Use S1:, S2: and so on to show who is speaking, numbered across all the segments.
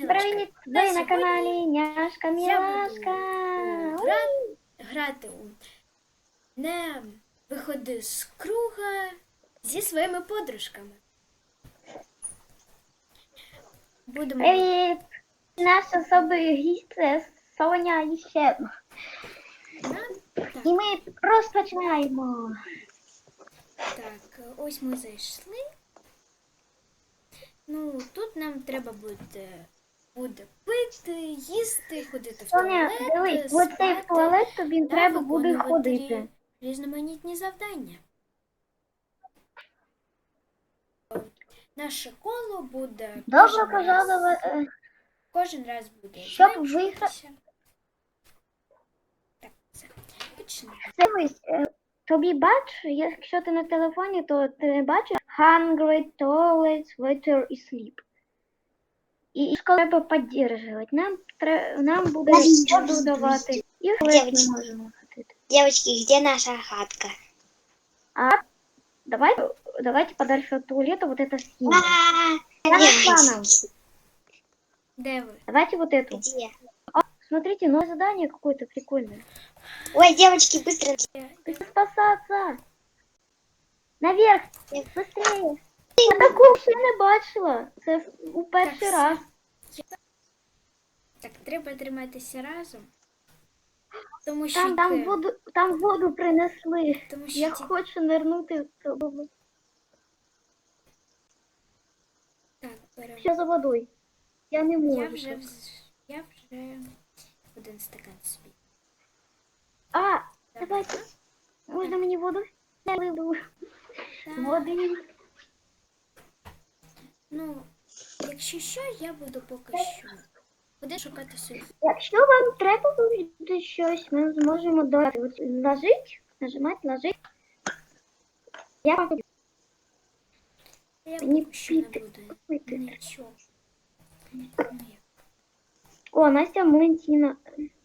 S1: дівчатка,
S2: Привіт!
S1: на
S2: Ви на
S1: сьогодні
S2: каналі Няшка
S1: я
S2: Мілашка.
S1: буду грати у «Не виходи з круга» зі своїми подружками. Будемо
S2: Привіт! Наш особий гість це Соня і ще одна.
S1: так,
S2: І ми розпочинаємо.
S1: так, ось ми зайшли. Ну, тут нам треба буде пити, їсти, ходити в
S2: Соня,
S1: туалет,
S2: дивись, в оцей
S1: спати
S2: туалет тобі
S1: та
S2: треба буде
S1: виконувати
S2: ходити.
S1: різноманітні завдання. Наше коло буде
S2: Добре пожаловать.
S1: кожен раз буде
S2: Щоб
S1: зменшуватися. Так, все. Почнемо.
S2: Дивись, тобі бач, якщо ти на телефоні, то ти бачиш hungry, toilet, water і sleep. І школу треба підтримувати. Нам буде воду давати. І в туалет ми можемо ходити.
S3: Девочки, где наша хатка?
S2: А давайте подальше от туалета вот это снимем. Я нашла нам.
S1: Де ви?
S2: Давайте вот эту.
S3: Где?
S2: Смотрите, новое задание какое-то прикольное.
S3: Ой, девочки, быстро.
S2: Спасаться. Наверх. Быстрее. Я такого ще не бачила. Це у перший раз.
S1: Так, треба триматися разом. Тому що
S2: Там воду принесли.
S1: Тому що
S2: Я хочу нирнути в цю воду.
S1: Так, беремо.
S2: Що за водою? Я не можу.
S1: Я вже один стакан собі.
S2: А, давайте. Можна мені воду? Я виведу. Води.
S1: Ну, якщо що, я буду поки що. Буду шукати собі.
S2: Якщо вам треба буде щось, ми зможемо додати. От ложить, нажимати, ложить. Я вам
S1: Я
S2: Мені
S1: поки що не
S2: піти.
S1: буду нічого.
S2: О, Настя Валентина.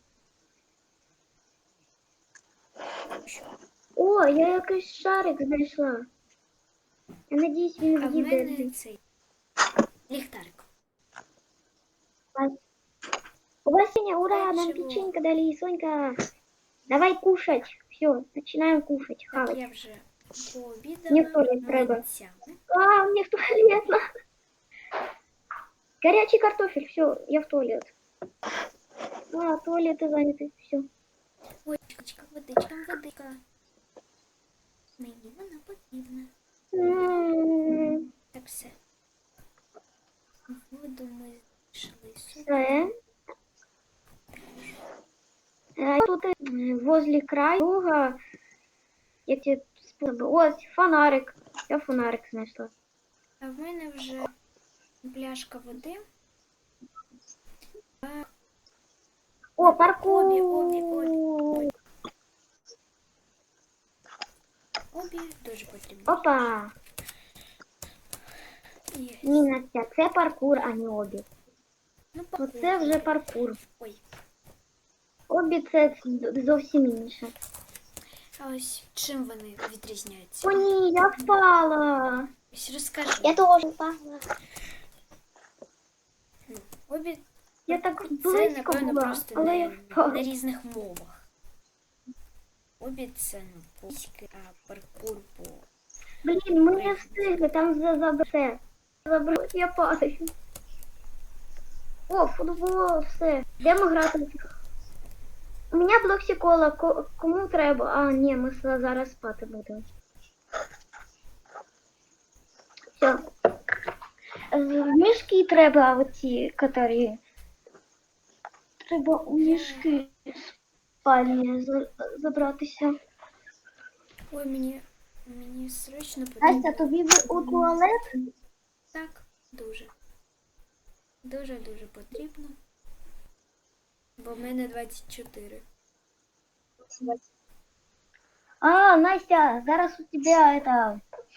S2: О, я якийсь шарик знайшла. Я надіюсь, він
S1: А в
S2: в'їде.
S1: мене цей ліхтарик.
S2: Васеня, ура, нам
S1: Чего?
S2: печенька дали, Сонька. Давай кушать. Все, начинаем кушать,
S1: Так,
S2: хавать.
S1: я вже пообідала.
S2: Мені в туалет треба.
S1: млинцями.
S2: А, мне в туалет надо. Горячий картофель, все, я в туалет. А, туалеты заняты, все.
S1: Ой, водичка. Мені вона потрібна. Так, все. Воду ми йшли сюди.
S2: Тут возле краю, я тебе способы. Ось, фонарик. Я фонарик знайшла.
S1: А в мене вже пляшка води.
S2: О, паркур.
S1: Обі дуже потрібні.
S2: Опа.
S1: Є.
S2: Ні, Настя, це паркур, а не обі.
S1: Ну,
S2: Оце вже паркур.
S1: Ой.
S2: Обі це зовсім інше.
S1: А ось чим вони відрізняються?
S2: О, ні, я впала.
S1: Ось розкажи.
S3: Я тоже упала.
S1: Ну, обі
S2: Я так
S1: це,
S2: близько
S1: напевно,
S2: була,
S1: просто
S2: але я
S1: на
S2: впала.
S1: різних мовах. Обі це на польське, а паркур по...
S2: Блін, ми не встигли, там забрати. Забрати, я падаю. О, футбол, все. Йдемо грати. У мене блоксикола, кому треба? А, ні, ми зараз спати будемо. Все. В мішки треба оці, які... Треба у мішки спальні забратися.
S1: Ой, мені срочно потрібно.
S2: Настя, тобі у туалет?
S1: Так, дуже. Дуже потрібно. Бо в мене 24.
S2: А, Настя, зараз у тебя это...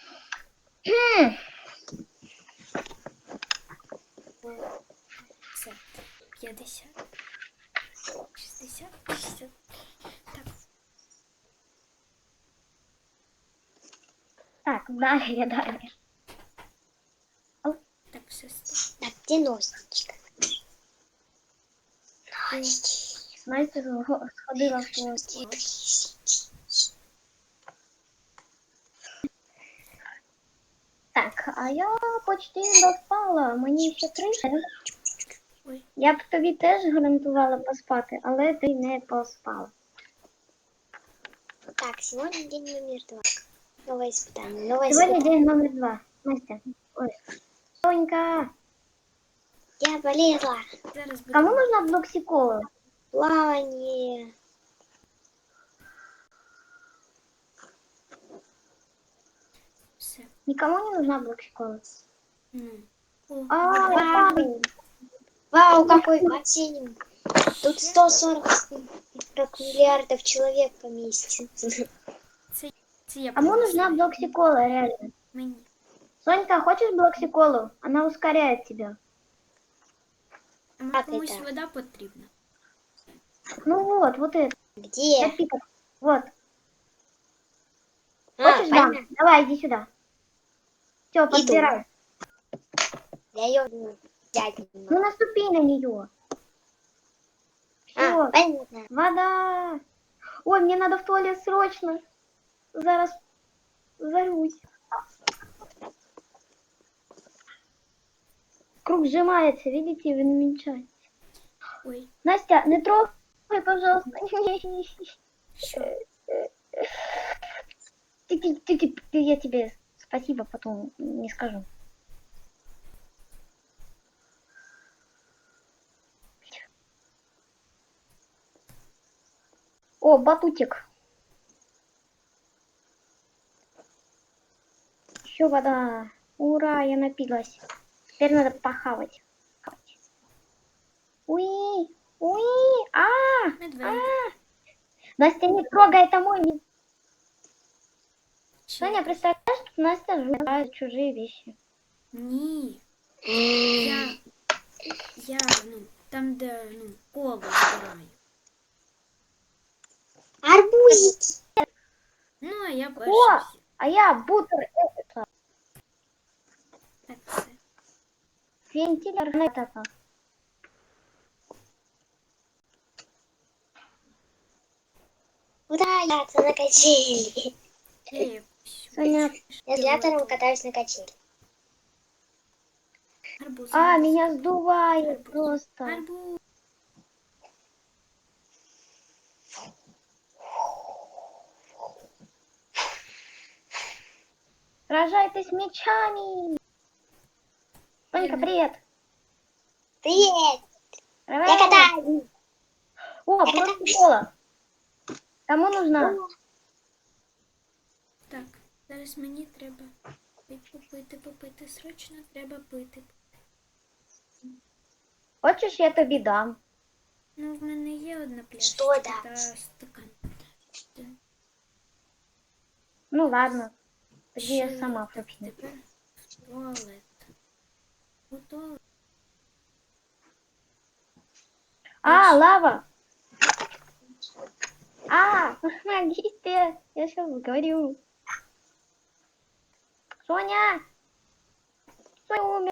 S1: Все. 50. 60. 60. Так.
S2: Так, далі.
S1: Так, все.
S3: Так, где носичка?
S2: Настя сходила в туалет. Так, а я почти доспала, мені ще 3.
S1: Ой.
S2: Я б тобі теж гарантувала поспати, але ти не поспала.
S3: Так, сегодня день номер 2. Новое испытание. Новое
S2: Сьогодні
S3: испытание.
S2: день номер 2. Настя, ой. Сонька,
S3: Я болела.
S1: Зараз буде.
S2: кому нужна блоксикола?
S3: Плавание.
S1: Все.
S2: Никому не нужна блоксикола.
S1: Ну. О,
S2: А,
S3: Вау. Вау, какой бассейн. Тут 140 миллиардов человек поместится.
S1: це я
S2: Кому
S1: принесла.
S2: нужна блоксикола, реально?
S1: Мені.
S2: Сонька, хочешь блоксиколу? Она ускоряет тебя.
S1: А може
S3: Так,
S1: комусь
S3: это.
S1: вода потрібна?
S2: Ну вот это.
S3: Где?
S2: Напиток. Вот.
S3: А,
S2: Хочешь, дам?
S3: понятно.
S2: Давай, иди сюда. Все, подбирай.
S3: Я ее взять не могу.
S2: Ну наступи на нее.
S3: А,
S2: Все,
S3: понятно.
S2: вода. Ой, мне надо в туалет срочно. Зараз зарюсь. Круг сжимается, видите, и уменьшается.
S1: Ой,
S2: Настя, не трогай, пожалуйста.
S1: що?
S2: Я тебе спасибо потом не скажу. О, батутик. Еще вода. Ура, я напилась. Теперь надо похавать. Уи, уи,
S1: Медведь.
S2: Настя, не трогай, это мой.
S1: Чи-
S2: Соня, представляешь, тут Настя жрает чужие вещи.
S1: Ні. Я, там, де, коло збираю.
S3: Арбузики.
S1: Ну, а я
S2: О,
S1: перший.
S2: а я бутер.
S1: Так, все.
S2: Вентилятор. Это.
S3: Куда я на качели?
S1: Я якусь.
S2: Соня.
S3: Я с Лятором катаюсь на качели.
S1: Арбуз.
S2: А,
S1: арбуз.
S2: меня сдувает просто.
S1: Арбуз.
S2: Сражайтесь мечами. Сонька, привет.
S3: Привет!
S2: Давай.
S3: Я катаюсь!
S2: О, блоксикола. Кому нужна?
S1: Так, зараз мені треба попити. Срочно треба пити.
S2: Хочешь, я тобі дам?
S1: Ну, в мене є одна пляшка.
S3: Що дати?
S1: Та стакан.
S2: Ну ладно. Тоді я
S1: Ще
S2: сама
S1: так,
S2: поп'ю.
S1: тепер в туалет. У туалет.
S2: А, лава. А, помогите. Я сейчас говорю. Соня. Соня умер.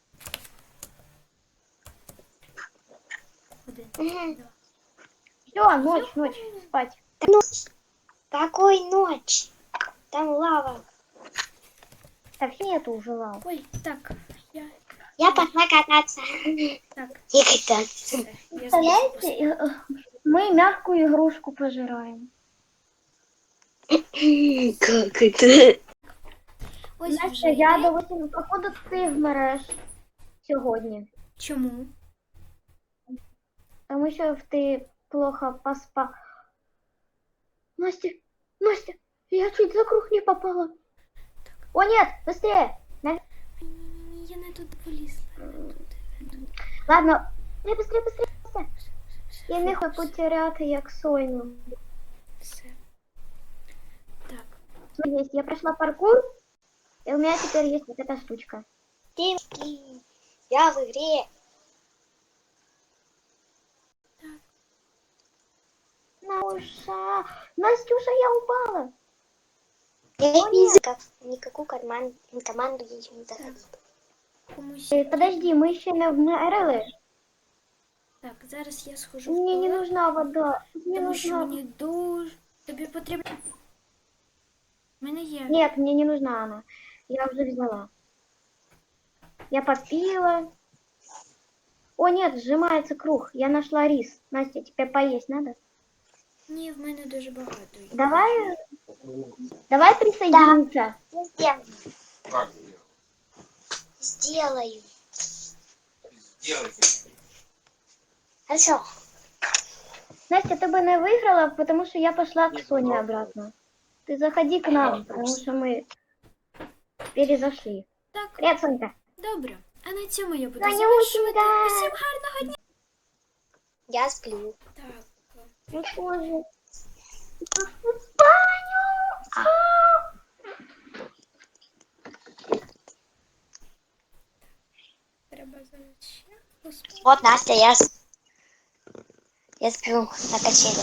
S1: Один,
S3: Мгм.
S1: два.
S2: Все, ночь, спать.
S3: Ночь. Какой ночь? Там лава.
S2: Да все нету уже лава.
S1: Ой, так,
S3: Я пошла кататься.
S1: так,
S3: Не кататься.
S1: все. Я
S2: Представляете, мы мягкую игрушку пожираем.
S3: Как это?
S1: Ось
S2: Настя,
S1: вже
S2: я
S1: йде.
S2: до 8, походу ти вмереш сьогодні.
S1: Чому?
S2: Тому що ти плохо поспав. Настя, я чуть за круг не попала. О, нет, быстрее.
S1: Ні, я не тут полізла.
S2: Ладно, быстрее. Я не хочу потеряти як Соню.
S1: Все. Так,
S2: Есть, я прошла паркур, и у меня теперь есть вот эта штучка.
S3: Девки, я в игре.
S2: Настюша, я упала.
S3: Я
S2: О,
S3: не
S2: нет.
S3: никакую команду я еще не заходила.
S1: комусь.
S2: Подожди, ми ще не вмерли.
S1: Так, зараз я схожу в
S2: Мне не
S1: туалет,
S2: нужна вода. Мне
S1: тому що
S2: нужна...
S1: мені дуже... Тобі потрібно... У мене є.
S2: Нет, мне не нужна она. Я уже взяла. Я попила. О, нет, сжимается круг. Я нашла рис. Настя, тебе поесть надо?
S1: Ні, в мене дуже багато.
S2: Давай присоединиться.
S3: Я сделаю. Хорошо.
S2: Настя, ты бы не выиграла, потому что я пошла к Соне обратно. Ты заходи к нам, потому что мы перезашли.
S1: Так,
S2: Привет, Сонька.
S1: добре. А на цьому я буду
S2: Танюшенька!
S1: завершувати. Усім гарного дня.
S3: Я сплю.
S1: Так.
S2: Ну что же? В баню!
S1: Треба зараз ще поспати.
S3: Вот, Настя, я сплю на качеле.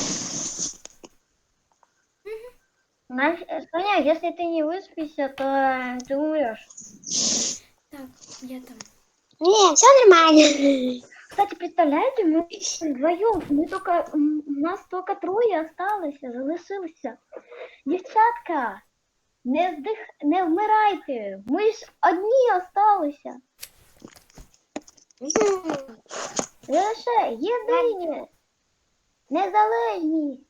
S2: Соня, если ты не выспишься, то ты умрешь.
S1: Так, я там.
S3: Не, все нормально.
S2: Кстати, представляете, мы вдвоем, нас только трое осталось, залишилося. Дівчатка, не вмирайте, ми ж одні осталися. Лише єдині, незалежні.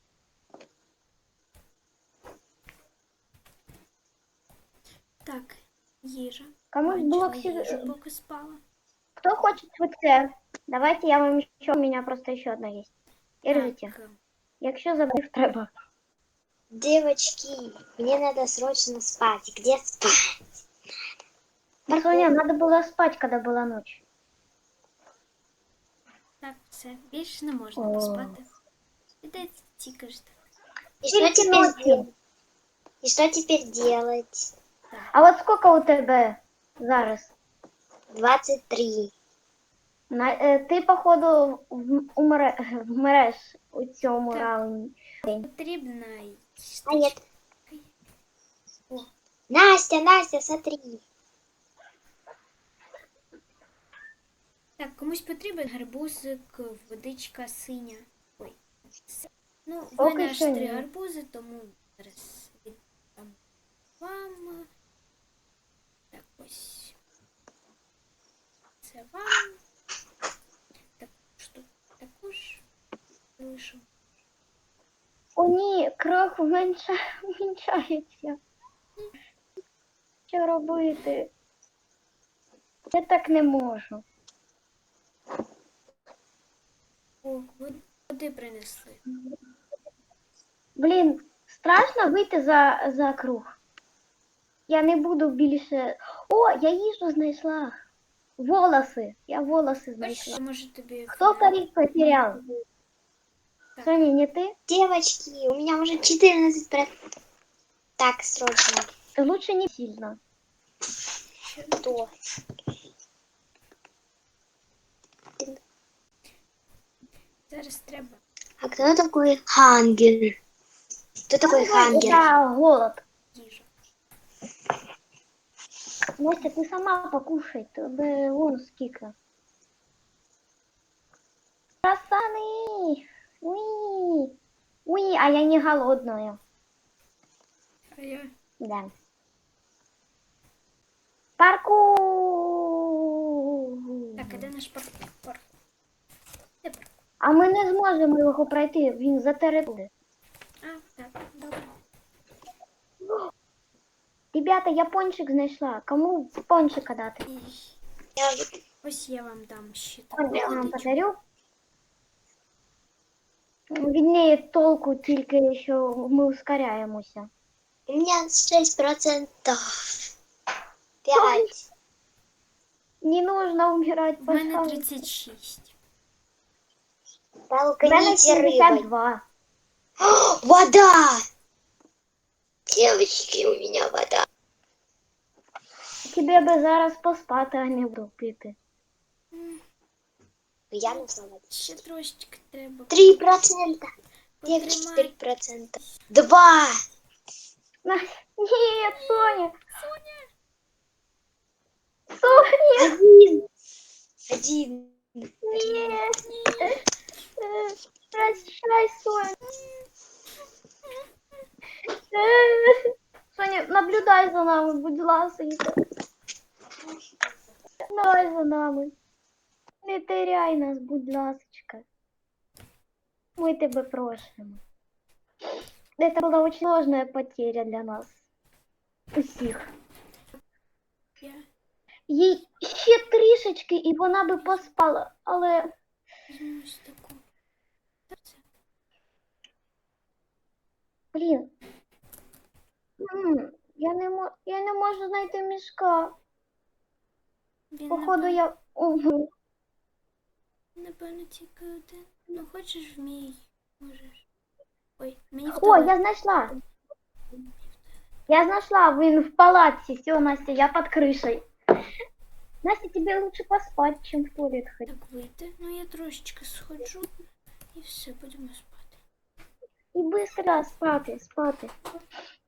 S1: Так, їжа.
S2: Комусь
S1: Бачила
S2: блок
S1: їжу, поки спала.
S2: Кто хочет ФЦ? Давайте я вам еще, у меня просто еще одна есть. Держите.
S1: Так,
S2: Якщо забив, треба.
S3: Девочки, мне надо срочно спать. Где спать?
S2: Соня, надо было спать, когда была ночь.
S1: так, все. Більше не можна
S2: О.
S1: поспати. Іде тікаєш так.
S3: И что
S2: Только
S3: теперь
S2: ночью.
S3: делать? И что теперь делать?
S2: А от сколько у тебе зараз?
S3: 23.
S2: Ти, походу, вмреш у цьому
S1: Так.
S2: раунді.
S1: Потрібна
S3: А нет. Настя, смотри.
S1: Так, комусь потрібен гарбузик, водичка синя. Ой. Ну, в
S2: Поки
S1: мене аж
S2: що
S1: 3
S2: ні.
S1: гарбузи, тому зараз віддам вам. Так, ось. Це вам. Також лишу.
S2: О, ні, кров вменшається. Що робити? Я так не можу.
S1: О, води принесли.
S2: Блін, страшно вийти за круг. Я не буду більше... О, я їжу знайшла. Волоси. Я волоси знайшла.
S1: Ось, може тобі...
S2: Кто корик потерял?
S1: Так.
S2: Соня, не ты?
S3: Девочки, у меня уже 14%. Так, срочно.
S2: Лучше не сильно.
S3: Кто?
S1: Зараз треба.
S3: А кто такой Хангер? Кто такой Хангер?
S2: Это голод.
S1: Їжу.
S2: Настя, ты сама покушай, тебе вон сколько. Пацаны! Уи! Уи, а я не голодная.
S1: А я...
S2: Да. Парку!
S1: Так, а де наш парк? Де парк?
S2: А ми не зможемо його пройти, він за територією.
S1: А, так, добре.
S2: Ребята, я пончик знайшла. Кому пончика дати?
S1: І ось я вам дам ще
S2: Я
S1: таку
S2: вам
S1: водичку.
S2: подарю. Від неї толку тільки, що ми ускоряємося.
S3: У меня 6%. 5.
S2: Не нужно умирать,
S1: В мене
S2: пожалуйста.
S1: 36.
S2: У мене
S3: Толкните рыбой.
S2: 72.
S3: Вода! Девочки, у меня вода.
S2: Тебе би зараз поспати, а не буду пити.
S3: Я нашла воду.
S1: Ще трошечки треба.
S3: 3%. Девочки,
S1: Потримай.
S3: 3%. 2.
S2: Нет, Соня.
S1: Соня!
S2: Соня.
S3: 1.
S2: Ні. Прощай, Соня. Соня, наблюдай за нами, будь ласка. Наблюдай за нами. Не теряй нас, будь ласочка. Мы тебя просим. Это была очень сложная потеря для нас. Усіх.
S1: Я
S2: Їй ще трішечки, і вона би поспала, але
S1: візьму ось таку. Це
S2: блін. Я не можу знайти мішка.
S1: він,
S2: Походу я. Угу.
S1: напевно, тільки один. Ну, хочеш в мій, можеш. Ой, мені в
S2: О,
S1: туалет.
S2: я знайшла. Я знайшла, він в палаці. Все, Настя, я під кришею. Настя, тебе лучше поспать, чем в туалет ходить.
S1: Так вийти. Ну, я трошечки сходжу і все, будемо спати.
S2: І быстро спати, спати.